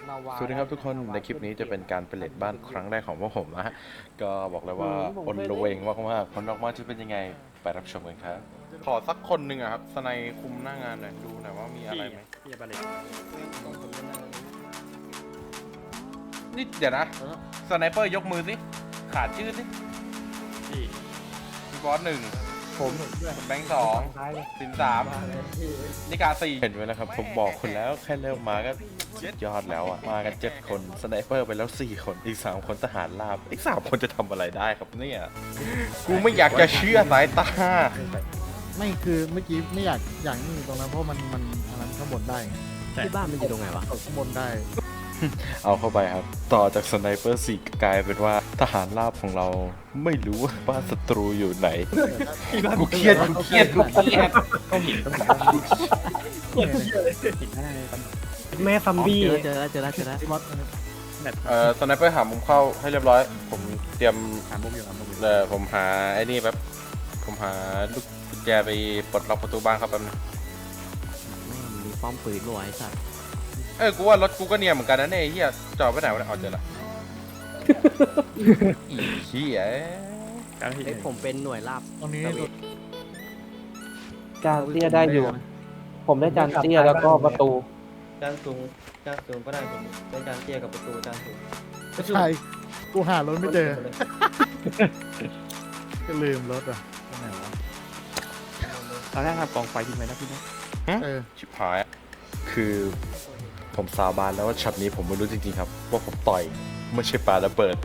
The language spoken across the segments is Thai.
สวัสดีครับทุกคนในคลิปนี้จะเป็นการไปเล่นบ้านครั้งแรกของพวกผมนะฮะก็บอกเลยว่าอนละเวงมากๆผลออกมาจะเป็นยังไงไปรับชมกันครับขอสักคนหนึ่งอะครับสไนคุมหน้างานหน่อยดูหน่อยว่ามีอะไรไหมพี่บาเลตนี่เดี๋ยวนะสไนเปอร์ยกมือสิขาดชื่อสิพี่พี่บอสหนึ่งผมด้วยแบงค์สองสินสามนิกาสี่เห็นไหมนะครับผมบอกคุณแล้วแค่เริ่มมาก็ยอดแล้วอ่ะมากัน7 คนสไนเปอร์ไปแล้ว4 คนอีก3 คนทหารราบอีก3 คนจะทำอะไรได้ครับเนี่ยกูไม่อยากจะเชื่อสายตาไม่คือเมื่อกี้ไม่อยากนี่ตรงนั้นเพราะมันอันนั้นข้างบนได้ไงที่บ้านมันอยู่ตรงไหนวะตกข้างบนได้เอาเข้าไปครับต่อจากสไนเปอร์4กลายเป็นว่าทหารราบของเราไม่รู้ว่าบ้านศัตรูอยู่ไหนกูเครียดต้องหินได้แม่ซัมบี้เจอแล้วที่วัดแบบสไนเปอร์หามุมเข้าให้เรียบร้อยผมเตรียมหามุมอยู่หามุมอยู่ผมหาไอ้นี่แป๊บผมหาลูกกุญแจไปปลดล็อกประตูบ้านครับแป๊บนึงแม่งมีป้อมปืนด้วยไอ้สัตว์กูว่ารถกูก็เนียนเหมือนกันนะเนี่ยไอ้เหี้ยจอดไปไหนวะเนี่ยเอาเจอละอีเหี้ยการที่ไอ้ผมเป็นหน่วยราบตรงนี้ตะเวนจานเตี้ยได้อยู่ ผมได้จานเตี้ยแล้วก็ประตูจานสูงก็ได้ผมได้จานเตี้ยกับประตูจานสูงไม่ใช่กูหารถไม่เจอก็ลืมรถอ่ะตรงไหนวะตอนแรกทำกองไฟทิ้งไว้นะพี่นะเออชิบหายคือผมสาบานแล้วว่าช็อตนี้ผมไม่รู้จริงๆครับว่าผมต่อยไม่ใช่ปาระเบิด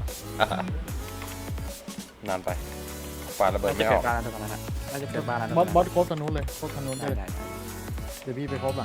นานไปปาระเบิดจะไม่อเปิอดกบ้านแล้วตรงนั้นน่าจะเปิดบ้านแล้วบอสครบทางนู้นเลยครบทางนู้นได้เลยได้เดี๋ยวพี่ไปครบอ่ะ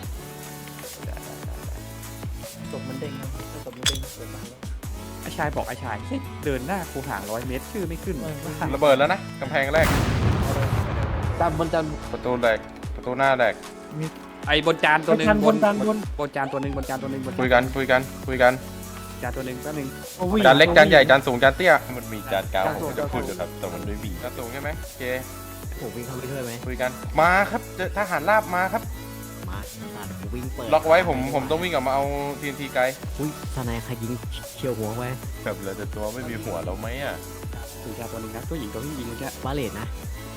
ศพมันเด้งนะถ้าศพมันเด้งเปิดมาแล้วไอ้ชายบอกไอ้ชายเดินหน้าคูห่าง100 เมตรชื่อไม่ขึ้นระเบิดแล้วนะกำแพงแรกจานบนจานประตูแรกประตูหน้าแรกไอ้บนจานตัวหนึ่งบนจานบนบนจานตัวหนึ่งบนจานตัวหนึ่งบนคุยกันจานตัวหนึ่งแป๊บนึงจานเล็กจานใหญ่จานสูงจานเตี้ยมันมีจานกลางผมจะพูดอยู่ครับแต่มันไม่มีจานสูงใช่ไหมโอเคผมวิ่งเข้าไปช่วยไหมคุยกันมาครับเจอทหารราบมาครับมาสัตว์ผมวิ่งเปิดล็อกไว้ผมต้องวิ่งออกมาเอา TNT ไกลอุ้ยสไนใครยิงเฉียวหัวไว้แบบเหลือแต่ตัวไม่มีหัวแล้วไหมอ่ะถึงจานตัวหนึ่งนะตัวหญิงตัวที่ยิงเมื่อกี้บาเลตนะ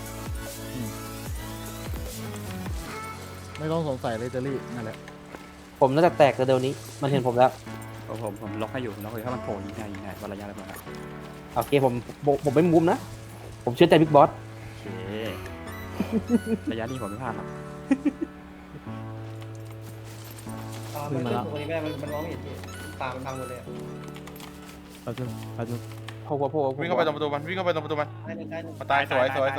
ไม่ต้องสงสัยเลยเจอรี่นั่นแหละผมน่าจะแตกเร็วๆนี้ มันเห็นผมแล้วผมล็อกให้อยู่ล็อกให้ถ้ามันโผล่ยิงได้วันระยะระเบิดโอเคผมไม่มุมนะ ผมเชื่อใจบิ๊กบอสโอเคระยะนี้ผมไม่พลาดหรอกมันขึ้นตรงนี้ไม่ได้มันมองไม่เห็นพี่ตามันพังหมดเลยเอาจุโผล่วิ่งเข้าไปตรงประตูมันวิ่งเข้าไปตรงประตูมันได้เลยได้เลยมาตายสวยสวย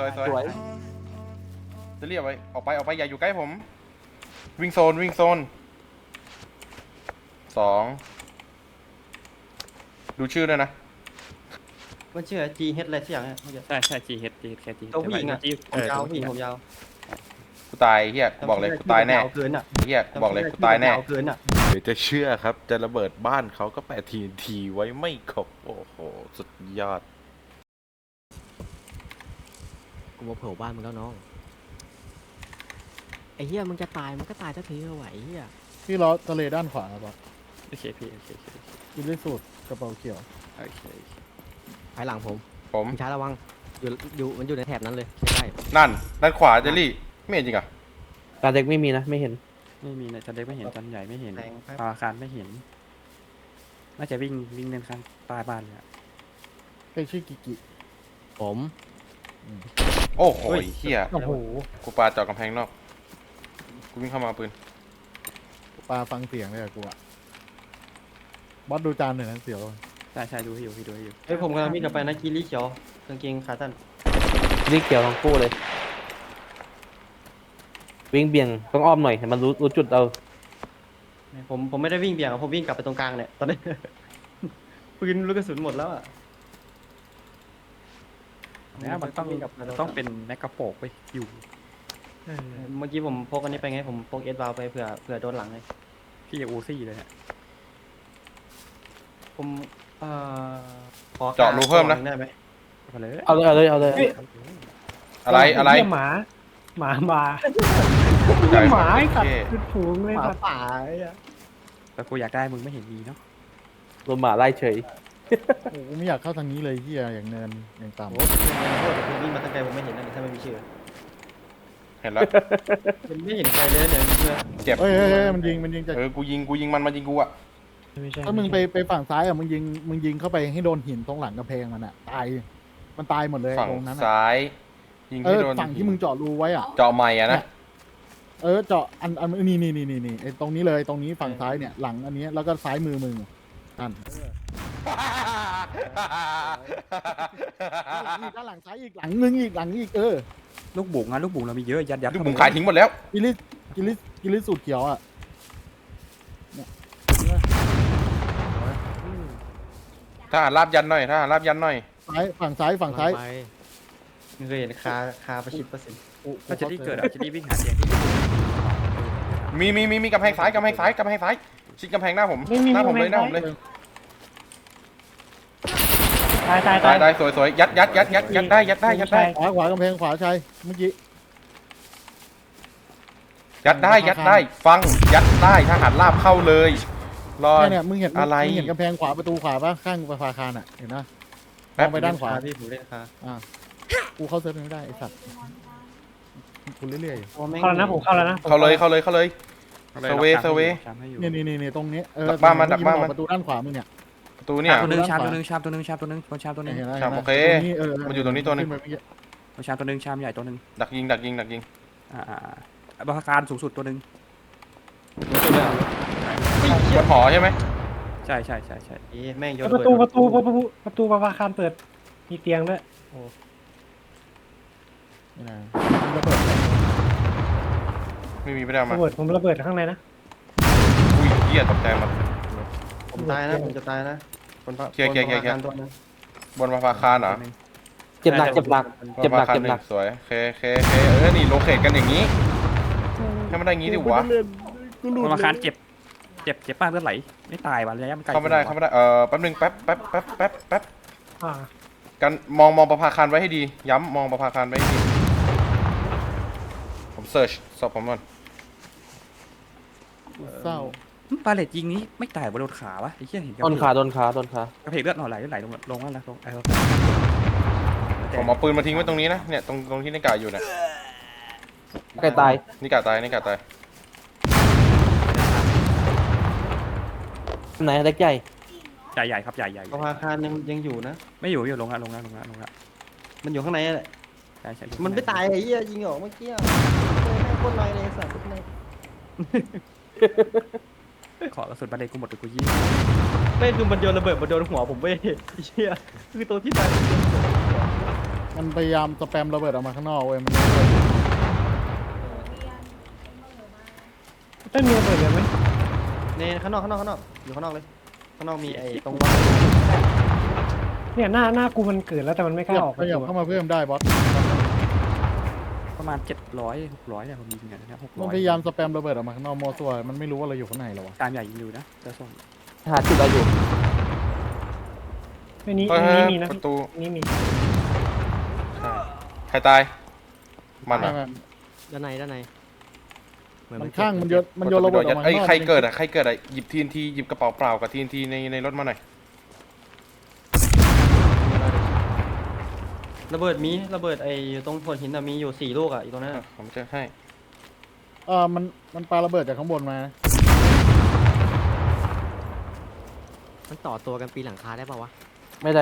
จะเรียกไว้ออกไปอย่าอยู่ใกล้ผมวิ่งโซน2ดูชื่อด้วยนะมันชื่อ G H อะไรสักอย่างเนี่ยเมื่อกี้ใช่ GH แค่ GH ตัวผู้หญิงอะ ผมยาวผู้หญิงผมยาวกูตายเฮียบอกเลยกูตายแน่เกินอ่ะเฮียบอกเลยกูตายแน่เกินอ่ะเดี๋ยวจะเชื่อครับจะระเบิดบ้านเขาก็แปะ TNT ไว้ไม่ครบโอ้โหสุดยอดกูมาเผาบ้านมึงแล้วน้องไอ้เหี้ยมึงจะตายมันก็ตายสักทีเถอะไหวไอ้เหี้ยพี่ล้อทะเลด้านขวาครับโอเคพี่โอเคกินด้วยสูตรกระเป๋าเขียวภายหลังผมผมมึงช้าระวังอยู่มันอยู่ในแถบนั้นเลยใช่นั่นด้านขวาเจลลี่ไม่เห็นจริงอ่ะจานเด็กไม่มีนะ ไม่เห็นไม่มีนะจานเล็กไม่เห็นจานใหญ่ไม่เห็นแทงครับอาคารไม่เห็นน่าจะวิ่งเดินข้างใต้บ้านเลยไอ้ชื่อกิกิผมโอ้โหเฮียโอ้โหกูปาเจาะกำแพงนอกกูวิ่งเข้ามาปืนปลาฟังเสียงเลยอะกูอะบอสดูจานหน่อยนะเสียวใช่ดูให้อยู่พี่ดูให้อยู่เฮ้ยผมกำลังวิ่งกลับไปนะกีรีเขียวกางเกงขาสั้นวิ่งเกี่ยวทั้งคู่เลย วิ่งเบี่ยงต้องอ้อมหน่อยให้มันรู้จุดเอาผมไม่ได้วิ่งเบี่ยงอะผมวิ่งกลับไปตรงกลางเนี่ยตอนนี้ ปืนลูกกระสุนหมดแล้วอ่ะแล้วมันต้องเป็นแมกกาโปกไปอยู่เมื่อกี้ผมพกอันนี้ไปไงผมพกเอสวาลไปเผื่อโดนหลังเลยพี่อูซี่เลยฮะผมขอเจาะรูเพิ่มนะได้ไหมมาเลยเอาเลยอะไรใหม่ใหญ่หมาไอ้สัตโอว์เคคือถูงเลยหมาสัตว์ป่าไอ้อะไปแต่กูอยากได้มึงไม่เห็นมีเนาะโดนหมาไล่เฉยโอ้กูไม่อยากเข้าทางนี้เลยเฮียอย่างเนินอย่างต่ำโอ้โหคุณวิ่งมาตั้งไกลผมไม่เห็นนะถ้าไม่มีชื่อเห็นแล้วมันไม่เห็นใครเลยเนี่ยเพื่อนเจ็บเฮ้ยมันยิงจากกูยิงมันยิงกูอะไม่ใช่ถ้ามึงไปฝั่งซ้ายอ่ะมึงยิงเข้าไปให้โดนหินตรงหลังกระเพงมันอ่ะตายมันตายหมดเลยฝั่งตรงนั้นอ่ะซ้ายยิงเอที่อโดนฝั่งที่มึงเจาะรูไว้อ่ะเจาะใหม่อะนะเจาะอันนี่ไอ้ตรงนี้เลยตรงนี้ฝั่งซ้ายเนี่ยหลังอันนี้แล้วก็ซ้ายมือมึงนั่นด้านหลังซ้ายอีกหลังนึงอีกเออลูกบุ๋งอะลูกบุ๋งเรามีเยอะยัดลูกบุ๋มขายทิ้งหมดแล้วกิลิสสูตรเขียวอ่ะเนี่ยถ้าหารลาบยันหน่อยถ้าหารลาบยันหน่อยฝั่งซ้ายไปมึงเคยเห็นคาประชิดประสิทธิ์ถ้าจะรีเกิดอะจะรีวิ่งหาเตียงที่มีกำแพงซ้ายชิดกำแพงหน้าผมหน้าผมเลยตายสวยยัดได้ขวากำแพงขวาชัยเมื่อกี้ยัดได้ฟังยัดได้ทหารลาบเข้าเลยรอเนี่ยมึงเห็นอะไรมึงเห็นกำแพงขวาประตูขวาปะข้างประภาคารอ่ะเห็นนะมแป๊บองไปด้านขวาพี่ผมเล่นคากูเข้าเซิร์ฟไม่ได้ไอ้สัตว์กูเรื่อยโอ้แม่งเข้าแล้วนะผมเข้าแล้วนะเข้าเลยเซเวๆนี่ตรงนี้ดักบ้านมันเอกี้ออกประตูด้านขวามึงเนี่ยประตูเนี่ยตัวนึงชามตัวนึงชามตัวนึงชามตัวนึงบนชามตัวนึงเห็นไหมครับห็นไหมโอเค มันอยู่ตรงนี้ตัวหนึ่งขึ้ไปเมื่อกี้บนชามตัวนึงชามใหญ่ตัวนึงดักยิงบรรการสูงสุดตัวนึงบนหอใช่ไหมใช่แม่งโยนประตูประภาคารเปิดมีเตียงด้วยนี่นะระเบิดไม่มีไม่ได้เอามาผมระเบิดข้างในนะอุ้ยเหี้ยตกใจหมดผมตายนะผมจะตายนะคนเคลียร์ตัวนึงบนประภาคารเหรอเจ็บหนักบนประภาคารหนึ่งสวยเคนี่โลเคทกันอย่างนี้ให้มันได้อย่างนี้ดิวะบรรการเจ็บป้าเลือดไหลไม่ตายว่ะระยะมันไกลเข้าไม่ได้แป๊บนึงแป๊บอ่ากันมองประภาคารไว้ให้ดีย้ำมองประภาคารไว้ให้ดีผมเสิร์ชสอบผมก่อนเศร้าปาเลตยิงนี้ไม่ตายบนโดนขาวะไอ้เหี้ยเห็นโดนขากระเพกเลือดหน่อไหลลงนั่นแล้วลงไอ้ผมเอาปืนมาทิ้งไว้ตรงนี้นะเนี่ยตรงที่นิกาอยู่เนี่ยใกล้ตายนิกาตายไหนเล็กใหญ่ใหญ่ครับใหญ่ประภาคารยังอยู่นะไม่อยู่ลงละมันอยู่ข้างในแหละใช่มันไม่ตายไอ้เหี้ยยิงออกเมื่อกี้แม่งโคตรน้อยเลยสัตว์ขอกระสุนบาเลตกูหมดไปกูยี่ไม่คือมันโยนระเบิดมาโดนหัวผมเว้ยไอ้เหี้ยคือตัวที่ตายมันพยายามสแปมระเบิดออกมาข้างนอกเว้ยมันต้นมีระเบิดเลยไหมในข้างนอกอยู่ข้างนอกเลยข้างนอกมีไอ้ตรงเนี่ยหน้ากูมันเกิดแล้วแต่มันไม่กล้าออกขยับเข้ามาเพิ่มได้บอสประมาณ700-600เนี่ยผมยิงกันนะมันพยายามสแปมระเบิดออกมาข้างนอกโมซัวมันไม่รู้ว่าเราอยู่ข้างในหรอวะตามใหญ่ยิงอยู่นะเจ้าส้มหาจุดอะไรอยู่นี่มีนะประตูนี่มีใครตายมันอ่ะด้านในมันข้างมันโยนระเบิดออกมาไอ้ใครเกิดอ่ะหยิบTNTหยิบกระเป๋าเปล่ากับTNTในรถมาหน่อยระเบิดไอ้ตรงโขดหินมีอยู่4 ลูกอ่ะอยู่ตรงนั้นผมจะให้มันปาระเบิดจากข้างบนมามันต่อตัวกันปีนหลังคาได้ป่าวะไม่ได้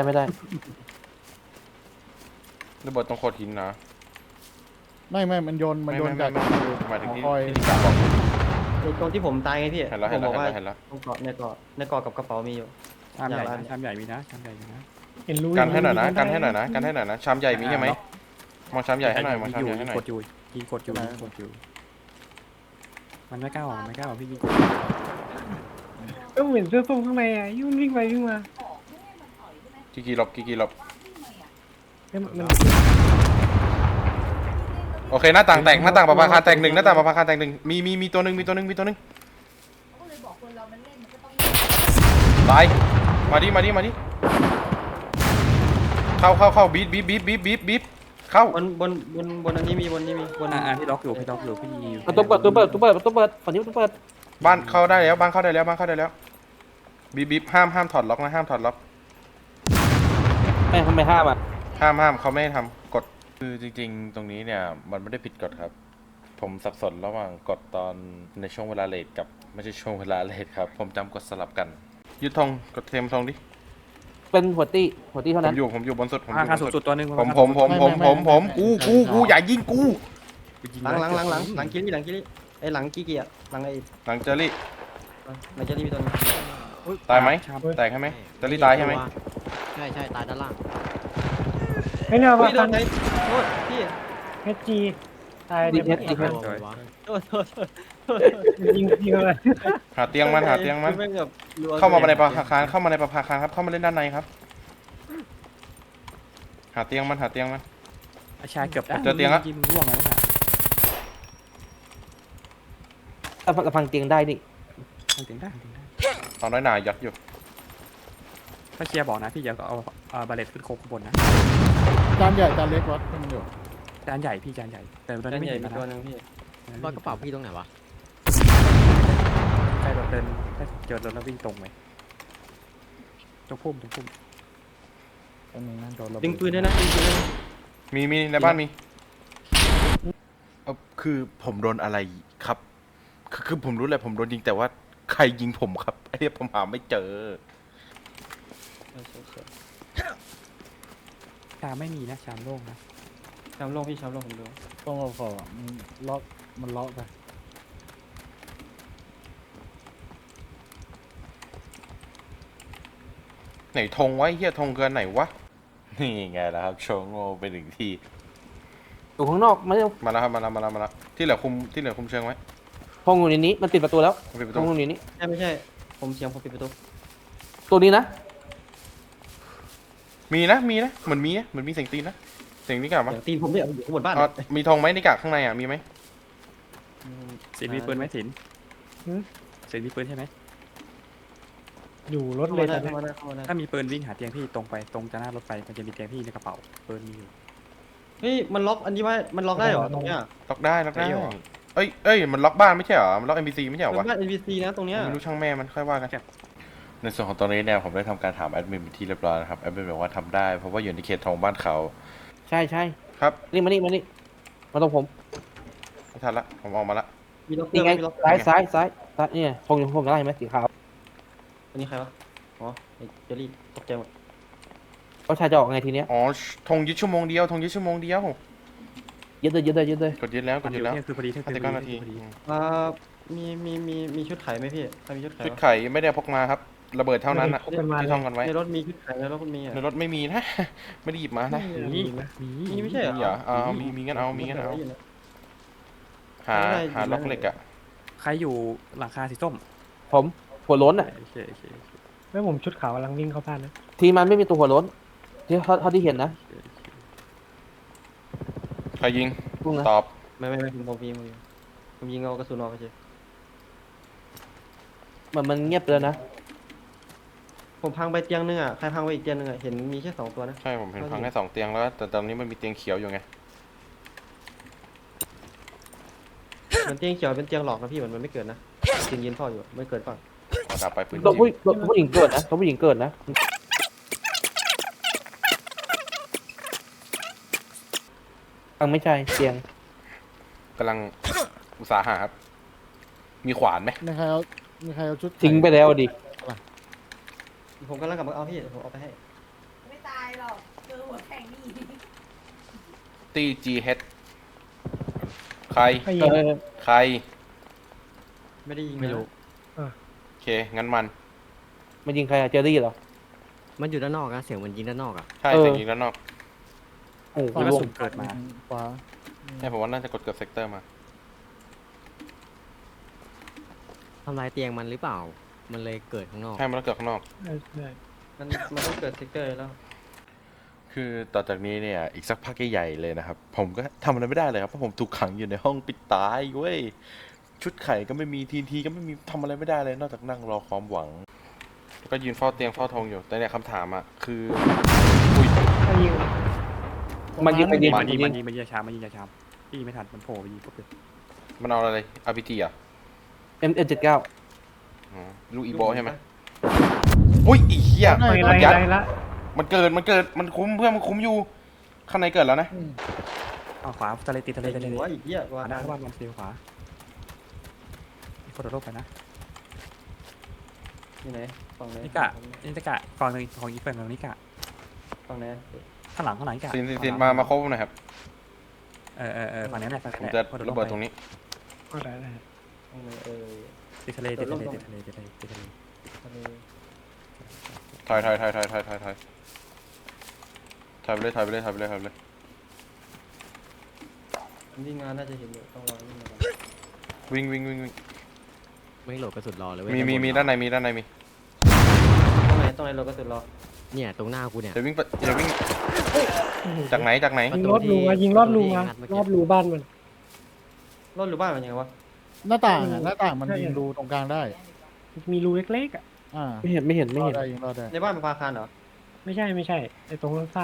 ระเบิดตรงโขดหินนะไม่มันโยนจากหมายถึงที่คอยนิกาบอกตรงที่ผมตายไงพี่เห็นแล้วผมบอกว่าเห็นแล้วตรงเกาะในเกาะกับกระเป๋ามีอยู่ชามใหญ่มีนะเห็นรู้กันให้หน่อยนะชามใหญ่มีใช่ไหมมองชามใหญ่ให้หน่อยมองชามใหญ่ให้หน่อยกดอยู่มันไม่กล้าออกพี่ยิงก็เหมือนเสื้อส้มข้างในอ่ะยุ่งวิ่งไปวิ่งมากี่หลบมันโอเคหน้าต่างแตกหน้าต่างประภาคารแตกหนึ่งหน้าต่างประภาคารแตกหนึ่งมีตัวหนึ่งตายมาดิเข้าบีบเข้าบนอันนี้มีบนพี่ล็อกอยู่พี่ประตูเปิดฝั่งนี้ประตูเปิดบ้านเข้าได้แล้วบิ๊บห้ามถอดล็อกนะห้ามถอดล็อกแม่ทำไมห้ามอ่ะห้ามเขาไม่ให้ทำกฎคือจริงๆ ตรงนี้เนี่ยมันไม่ได้ผิดกฎครับ ผมสับสนระหว่างกฎตอนในช่วงเวลาเลทกับไม่ใช่ช่วงเวลาเลทครับผมจำกฎสลับกันยึดธงกดเทมธงดิเป็นหัวตี้เท่าผนั้มนอยู่บนสุดผมอรายู่คาบนสูงสุสุดดตัวหนึงผมกูอย่ายิงกูหลังกิลี่ไอ้หลังกี้เกียร์หลังไอ้หลังเจอรี่หลังเจลี่มีตัวนึงตายไหมแตกใช่ไหมเจอรี่ตายใช่ไหมใช่ใช่ตายด้านล่างไม่เนอะอุ้ว่ายโดนไหนโทษพี่เอจีตายดีเดี๋ยวเอสดีเอสโทษยิงเลยหาเตียงมันแม่งแบบรัวเข้ามาในประภาคารเข้ามาในประภาคารครับเข้ามาเล่นด้านในครับ หาเตียงมันอาชาเกือบเจอเตียงละยิงร่วงแล้วน่ะกระพังเตียงได้นี่ทำถึงได้ทำถึงได้ตอนน้อยหนายัดอยู่ถ้าเชียร์บอกนะพี่อย่าเอาบาเลตขึ้นโคข้างบนนะจานใหญ่จานเล็กวัดให้มันอยู่จานใหญ่พี่จานใหญ่แต่ตอนด้านี้นไม่ใหญ่เห็นมีนะตัวนึงพี่รอยกระเป๋าพี่ตรงไหนวะใช่แบบเดินถ้าเจอรถแล้ววิ่งตรงไปตรงพุ่มตรงนี้นั่นโดนระเบิดึงปืนด้วยนะดึงปืนด้วยนะมีในบ้านมีคือผมโดนอะไรครับ คือผมรู้แหละผมโดนยิงแต่ว่าใครยิงผมครับไอ้เนี่ยผมหาไม่เจอชามไม่มีนะชามโล่งนะชามโลงพี่ชามโลงผมดูต้องเอาขอมันล็อกมันล็อกไปไหนธงไว้เฮียธงเกินไหนวะนี่ไงล่ะครับโชว์โง่ไปถึงที่อยู่ข้างนอกไม่ได้มาแล้วครับมาแล้วที่เหลือคุมเชิงไว้พงอยู่ในนี้มันปิดประตูแล้วปิดประพตูงอยู่ในนี้ใช่ไม่ใช่ผมเสียงผมปิดประตูตัวนี้นะมีนะเหมือนมีเสียงตีนนะเสียงนี่กลับมาเสียงตีนผมเนี่ยอยู่ข้างบนบ้านมีธงไหมในกากข้างในอ่ะมีไหมสินมีปืนไหมสินสินมีปืนใช่ไหมอยู่รถเข้าเลมาย ได้ตอนนี้เข้ามาได้เข้ามาได้ถ้ามีปืนวิ่งหาเตียงพี่ตรงไปตรงจะหน้ารถไฟมันจะมีเตียงพี่ในกระเป๋าปืนมีอยู่เฮ้ยมันล็อกอันนี้ไว้มันล็อกได้เหรอตรงเนี้ยล็อกได้ได้เหรอเอ้ยมันล็อกบ้านไม่ใช่เหรอมันล็อก NPC ไม่ใช่เหรอเป็นวะบ้าน NPC นะตรงเนี้ยไม่รู้ช่างแม่มันค่อยว่ากันในส่วนของตอนนี้เนี่ยผมได้ทำการถามแอดมินเป็นที่เรียบร้อยนะครับแอดมินบอกว่าทำได้เพราะว่าอยู่ในเขตของบ้านเขาใช่ครับนี่มาตรงผมไม่ทันละผมออกมาละมีล็อกเกอนี่ร์ไงมีล็อกซ้ายเนี่ยพงกันได้ไหมสีขาวอันนี้ใครวะอ๋อไอ้เจอรี่ตกใจหมดเขาชายจะออกไงทีเนี้ยอ๋อธงยึดชั่วโมงเดียวยึดเลยกดยึดแล้วมันอยู่เนี่ยคือพอดีเที่ยงคืน 59 นาทีพอดีมีชุดไข่ไหมพี่ใครมีชุดไข่ชุดวะไข่ไม่ได้พกมาครับระเบิดเท่านั้นอะเป็นมาที่ท่องกันไว้ในรถมีชุดไข่ในรถคุณมีอ่ะในรถไม่มีนะ ไม่ได้หยิบมานะมีมีไม่ใช่เหรอมีเหรอมีงั้นเอาหาล็อกเหล็กอะใครอยู่หลังคาสีส้มผมหัวโล้นอ่ะโอเคแล้วผมชุดขาวกำลังวิ่งเข้าบ้านนะทีมันไม่มีตัวหัวโล้นที่เท่าที่เห็นนะใครยิงพุ่งนะตอบไม่ผมยิงเอากระสุนออกไปเฉยมันเงียบไปแล้วนะผมพังไปเตียงนึงอ่ะใครพังไปอีกเตียงนึงอ่ะเห็นมีแค่2ตัวนะใช่ผมเห็นพังแค่2 เตียงแล้วแต่ตอนนี้มันมีเตียงเขียวอยู่ไงมันเตียงเขียวเป็นเตียงหลอกนะพี่มันไม่เกิดนะเตียงยืนเฝ้าอยู่ไม่เกิดเปล่าขอดับไปปืนตัวจีนผู้หญิงเกิดนะตัวผู้หญิงเกิดนะไม่ใช่เตียงกำลังอุตสาหะครับ มีขวานไหมมีใครเอาชุดทิ้งไปแล้วดิผมกำลังกลับมาเอาพี่เดี๋ยวผมเอาไปให้ไม่ตายหรอกเจอหัวแข็งนี่ตี GH ใครไม่ยิงใครไม่ได้ยิงไม่รู้โอเค งั้นมันมันยิงใครอะเจอรี่เหรอมันอยู่ด้านนอกนะเสียงมันยิงด้านนอกอะใช่เออเสียงยิงด้านนอกโอ้โหแล้วก็สุ่มเกิดมาขวาใช่ผมว่าน่าจะกดเกือบเซกเตอร์มาทำลายเตียงมันหรือเปล่า มันเลยเกิดข้างนอกใช่มันต้องเกิดข้างนอกมันต้องเกิดเซกเตอร์แล้วคือต่อจากนี้เนี่ยอีกสักพักใหญ่ๆเลยนะครับ ผมก็ทำอะไรไม่ได้เลยครับเพราะผมถูกขังอยู่ในห้องปิดตายเว้ยชุดไข่ก็ไม่มีทีก็ไม่มีทำอะไรไม่ได้เลย นอกจากนั่งรอความหวัง แล้วก็ยืนเฝ้าเตียงเฝ้าธงอยู่แต่เนี่ยคำถามอ่ะคืออุ้ยไม่ยิงมันยิงมันยิงมันยิงมันยิงยาชามพี่ไม่ทันมันโผล่ไปยิงปุ๊บเลยมันเอาอะไร RPG อ่ะ M79 อ๋อลูกอีโบใช่ไหมอุ้ยอีเหี้ยไม่ไรยัดไรละมันเกิดมันคุ้มเพื่อนมันคุ้มอยู่ข้างในเกิดแล้วนะเอาขวาทะเลติดทะเลไอ้ทะเลหัวอีกเหี้ยขวาว่าหน้าเข้าบ้านมันเสียขวาอีกคนละโลกไปนะที่ไหนฝั่งไหนนิกะฝั่งหนึ่งของอีกฝั่งหนึ่งนิกะฝั่งไหนข้างหลังนิกะสินมาครบหน่อยครับฝั่งนี้แหละฝั่งผมนี้จะระเบิดตรงนี้ก็ได้ได้ฝั่งไหนติดทะเลติดทะเลติดทะเลติดทะเลติดทะเลทะเลถอยไปเลยวิ่งงานน่าจะเห็นอยู่ต้องรอวิ่งงานวิ่งไม่โหลดกระสุนรอเลยเว้ยมีด้านในมีตรงไหนเราก็สุดรอเนี่ยตรงหน้ากูเนี่ยจะวิ่งจากไหนยิงรอดรูมายิงรอดรูมารอดรูบ้านมันรถหรือบ้านมันยังไงวะหน้าต่างอะหน้าต่างมันยิงรูตรงกลางได้มีรูเล็กๆอ่ะอ่าไม่เห็นรอดได้ยิงรอดได้ในบ้านมันพาคารเหรอไม่ใช่ไอ้ตรงข้าง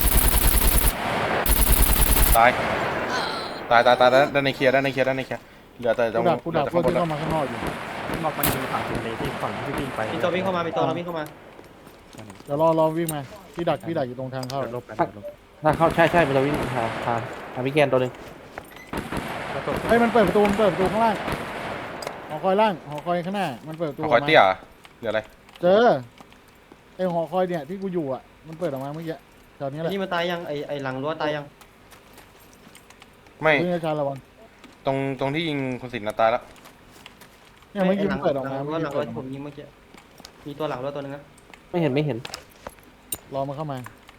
ตายด้านในเคลียร์เหลือแต่ตรงกูดักพวกที่เข้ามาข้างนอกอยู่นอกมันอยู่ฝั่งทะเลที่ฝั่งที่วิ่งไปมีตัววิ่งเข้ามามีตัวเราวิ่งเข้ามาเดี๋ยวรอวิ่งมาพี่ดักอยู่ตรงทางเข้าโลกไปโลกถ้าเข้าใช่มันจะวิ่งหาพี่แกนตัวหนึงเฮ้ยมันเปิดประตูข้างล่างหอคอยล่างหอคอยข้างหน้ามันเปิดประตูคอยเตี้ยเหลืออะไรเจอไอหอคอยเนี่ยที่กูอยู่อ่ะมันเปิดออกมาเมื่อกี้แถวนี้แหละนี่มันตายยังไอ้หลังรั้วตายยังไม่วิ่งอาจารย์ระวังตรงที่ยิงคุณสินตายแล้วเนี่ยเมื่อกี้มันเปิดออกมาหลังรั้วที่ผมยิงเมื่อกี้มีตัวหลังรั้วตัวนึงนะไม่เห็นรอมาเข้ามาม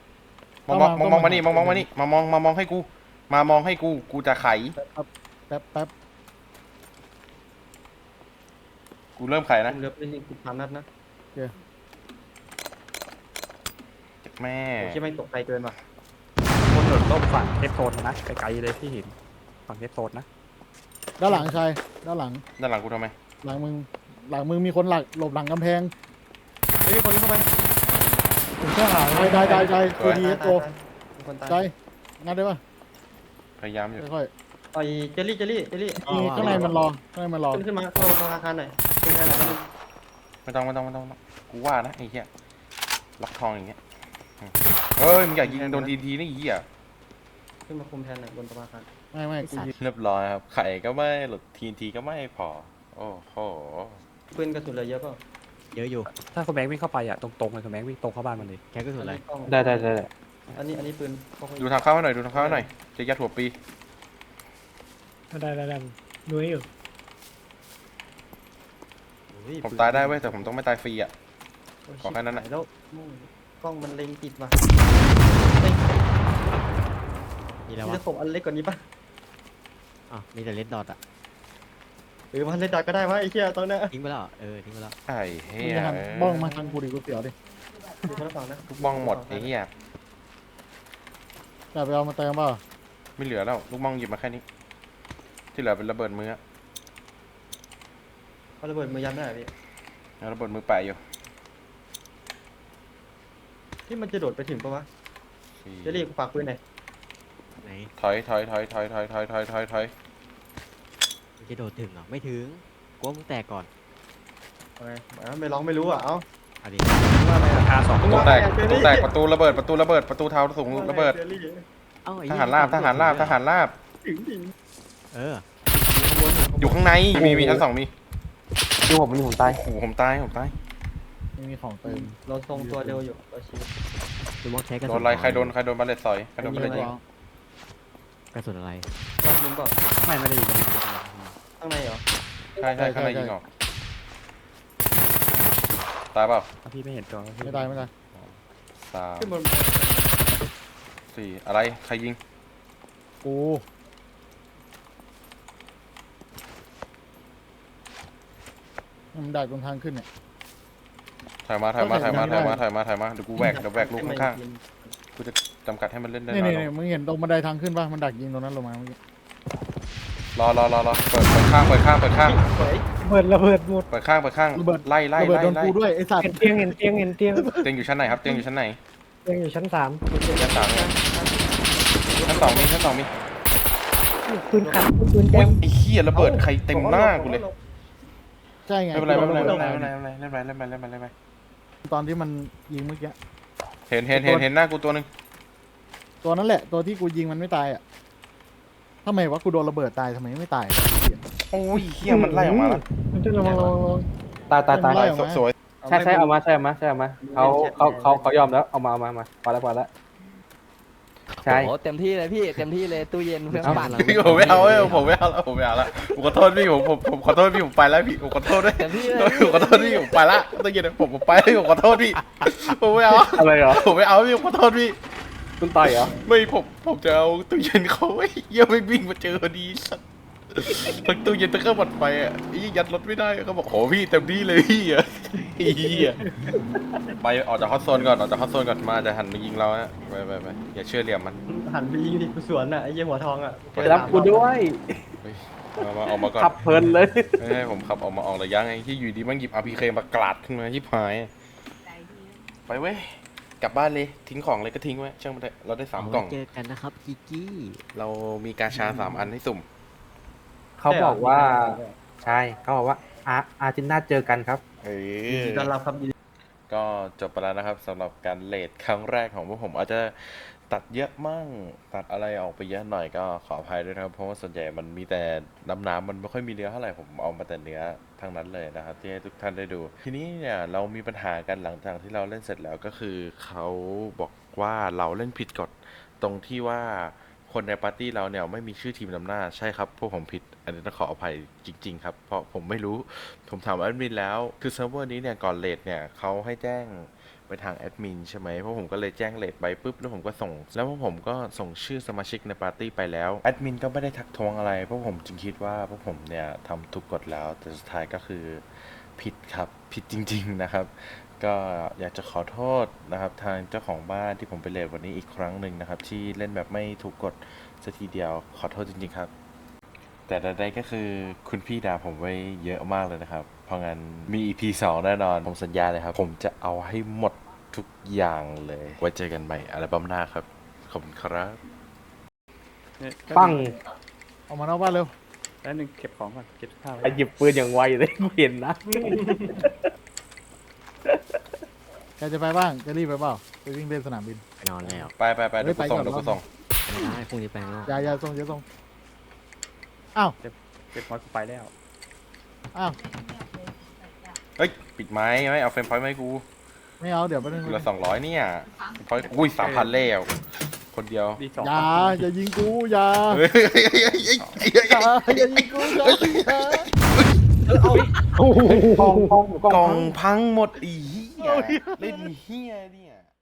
องมานี่มองให้กูมองให้กูจะไขแป๊บกูเริ่มไขนะผมเหลือเป็น13 นัดนะแม่ผมคิดไม่ตกไกลเกินว่ะคนโดดร่มฝั่งเทปโซนนะไกลๆเลยที่เห็นฝั่งเทปโซนนะด้านหลังชายด้านหลังด้านหลังกูทำไมหลังมึงมีคนหลบหลังกำแพงเฮ้ยคนนี้เข้าไปผมเชื่อหาใจตัวดีโตมีคนตายใจงัดได้ปะพยายามอยู่ค่อยไอ้เจลลี่ๆมีข้างในมันรอขึ้นมาเข้าอาคารหน่อยขึ้นมาหน่อยไม่ต้องกูว่านะไอ้เหี้ยล็อกทองอย่างเงี้ยเฮ้ยมึงอยากยิงโดนทีนี่ไอ้เหี้ยขึ้นมาคุมแทนหน่อยบนประมาณไม่กูยิงเรียบร้อยครับไข่ก็ไม่หลุดทีก็ไม่พอโอ้โหปืนกระสุนเหลือเยอะเปล่าเยอะอยู่ถ้าคุณแบงค์วิ่งเข้าไปอ่ะตรงๆเลยคุณแบงค์วิ่งตรงเข้าบ้านมันเลยแค่กระสุนอะไรได้อันนี้ปืนดูทางเข้าให้หน่อยจะยัดหัวปีได้ดูให้อยู่ผมตายได้เว้ยแต่ผมต้องไม่ตายฟรีอ่ะ ขอแค่นั้นน่ะแล้วกล้องมันเล็งติดว่ะมีแล้วมีวะตะขบอันเล็กกว่านี้ป่ะอ๋อมีแต่เลดดอทอะมันเล็กก็ได้วะไอ้เหี้ยตอนนี้ทิ้งไปแล้วเหรอทิ้งไปแล้วไอ้เหี้มึงยจะหันบ้องมาทางกูดิกูเสียวดิอยู่คนละฝั่งนะลูกบ้องหมดไอ้เหี้ยจะไปเอามาเติมเปล่าไม่เหลือแล้วลูกบ้องหยิบมาแค่นี้ ที่เหลือเป็นระเบิดมือเอาระเบิดมือยันได้พี่แล้วระเบิดมือแปะอยู่ที่มันจะโดดไปถึงปะวะเจลลี่ฝากปืนหน่อยไหนถอยมันจะโดดถึงเหรอไม่ถึงกลัวมึงแตกก่อนไม่ร้องไม่รู้อ่ะเอ้าเอาดิว่าอะไรอ่ะ R2 ประตูแตกประตูระเบิดประตูเท้าสูงระเบิดเอ้าไอ้ทเยหารราบถึงอยู่ข้างในมีชั้น 2มีดูผมตายโอ้โหผมตายไม่มีของเติมเราทรงตัวเร็วอยู่เราชีวิตดูมอกใช้กระโดสุนนอะไรใครโดนบาเลตสอยใครโดนบาเลตยิงกระสุนอะไรต้องยิงเปล่าไม่ได้ยิงข้างในเหรอใช่ข้างในยิงออกตายเปล่าพี่ไม่เห็นตัวไม่ตาย 3 ขึ้นบน 4อะไรใครยิงกูมันดักตรงทางขึ้นเนี่ยถอยมาเดี๋ยวกูแหวกลูกข้างๆกูจะจำกัดให้มันเล่นได้นี่น้อยลนี่งมึงเห็นตรงบันไดทางขึ้นป่ะมันดักยิงตรงนั้นลงมาเมื่อกี้รอเปิดข้างสวยระเบิดหมดเปิดข้างไล่ระเบิดโดนกูด้วยไอ้สัตว์เห็นเตียงเตียงอยู่ชั้นไหนครับเตียงอยู่ชั้นไหนเตียงอยู่ชั้น 3 ชั้น 3ชั้น 2มีปืนขัดปืนแจโอ้ยมไอ้เหี้ยระเบิดใครเต็มหน้ากูเลยใช่ไงไม่เป็นไรเล่นไปตอนที่มันยิงเมื่อกี้เห็นหน้ากูตัวหนึ่งตัวนั้นแหละตัวที่กูยิงมันไม่ตายอ่ะทำไมวะกูโดนระเบิดตายทำไมไม่ตายโอ้ยเฮียมันไล่ออกมาแล้วมันจะระวังตายไล่ออกมาสวยใช่เอามาเขายอมแล้วเอามาพอแล้วใช่โอ้เต็มที่เลยพี่เต็มที่เลยตู้เย็นเพื่อนบ้านเราพี่ผมไม่เอาแล้วผมไม่เอาแล้วผมขอโทษพี่ผมขอโทษพี่ผมไปแล้วพี่ผมขอโทษด้วยเต็มที่เลยผมขอโทษพี่ผมไปละตะกี้ผมไปแล้วผมขอโทษพี่ผมไม่เอาอะไรเหรอผมไม่เอาพี่ผมขอโทษพี่คุณต่อยเหรอไม่ผมจะเอาตู้เย็นเขาไอ้เหี้ยไม่วิ่งมาเจอดีสัสทั้งตู้เย็นทั้งเครื่องปั่นไฟอ่ะไอ้ยัดรถไม่ได้เขาบอกโหพี่เต็มที่เลยพี่อ่ะไอ้เหี้ยไปออกจากฮอตโซนก่อนมาจะหันมายิงเราฮะไปอย่าเชื่อเหลี่ยมมันหันไปยิงดิกูสวนอ่ะไอ้เหี้ยหัวทองอ่ะไปรับกูด้วยเฮ้ยมาออกมาก่อนขับเพลินเลยไม่ให้ผมขับออกระยะไงที่อยู่ดีมันหยิบ RPK มากราดขึ้นมาชิบหายใจดีไปเว้ยกลับบ้านเลยทิ้งของเลยก็ทิ้งไว้ช่างมันเถอะเราได้3กล่องเจอกันนะครับกิกกี้เรามีกาชา3 อันให้สุ่มเขาบอกว่าใช่เขาบอกว่าอาร์เจนตินาเจอกันครับเอยินดีต้อนรับครับยินดีก็จบไปแล้วนะครับสำหรับการเลทครั้งแรกของพวกผมอาจจะตัดเยอะมั่งตัดอะไรออกไปเยอะหน่อยก็ขออภัยด้วยนะครับเพราะว่าส่วนใหญ่มันมีแต่น้ำมันไม่ค่อยมีเนื้อเท่าไหร่ผมเอามาแต่เนื้อทั้งนั้นเลยนะครับที่ให้ทุกท่านได้ดู ทีนี้เนี่ยเรามีปัญหากันหลังจากที่เราเล่นเสร็จแล้วก็คือเขาบอกว่าเราเล่นผิดกฎตรงที่ว่าคนในปาร์ตี้เราเนี่ยไม่มีชื่อทีมนำหน้าใช่ครับพวกผมผิดอันนี้ต้องขออภัยจริงๆครับเพราะผมไม่รู้ผมถามแอดมินแล้วคือเซิร์ฟเวอร์นี้เนี่ยก่อนเลทเนี่ยเขาให้แจ้งไปทางแอดมินใช่ไหมเพราะผมก็เลยแจ้งเลทไปปุ๊บแล้วผมก็ส่งแล้วพวกผมก็ส่งชื่อสมาชิกในปาร์ตี้ไปแล้วแอดมินก็ไม่ได้ทักท้วงอะไรเพราะผมจึงคิดว่าพวกผมเนี่ยทำถูกกฎแล้วแต่สุดท้ายก็คือผิดครับผิดจริงๆนะครับ ก็อยากจะขอโทษนะครับทางเจ้าของบ้านที่ผมไปเลทวันนี้อีกครั้งหนึ่งนะครับที่เล่นแบบไม่ถูกกฎสักทีเดียวขอโทษจริงๆครับ แต่ใดๆก็คือคุณพี่ด่าผมไว้เยอะมากเลยนะครับ เพราะงั้นมี EP 2 แน่นอนผมสัญญาเลยครับ ผมจะเอาให้หมดทุกอย่างเลยไว้เจอกันใหม่อัลบั้มหน้าครับ ขอบคุณครับเนี่ยปั้งออกมานอกบ้านเร็วแล้วหนึ่งเก็บของก่อนเก็บข้าวไว้ไอหยิบปืนอย่างไวเลยกูเห็นนะแกจะไปบ้างจะรีบไปเปล่าไปวิ่งเล่นสนามบินไปนอนแล้วไปเดี๋ยวกูส่งเฮ้ยไปก่อนเดี๋ยวกูส่งไม่ได้พรุ่งนี้แปลงแล้วอย่าส่งอย่าส่งอ้าวเก็บของกูไปแล้วอ้าวเฮ้ยปิดไม้ไหมเอาเฟรมพอยต์มาให้กูไม่เอาเดี๋ยวไปนึงกูละ200เนี่ยพอยต์อุ้ย3,000แล้วคนเดียวดีสองอย่ายิงกูอย่าเฮ้ยอย่ายิงกูอย่ากองกล่องพังหมดอีเหี้ยเล่นเหี้ยเนี่ย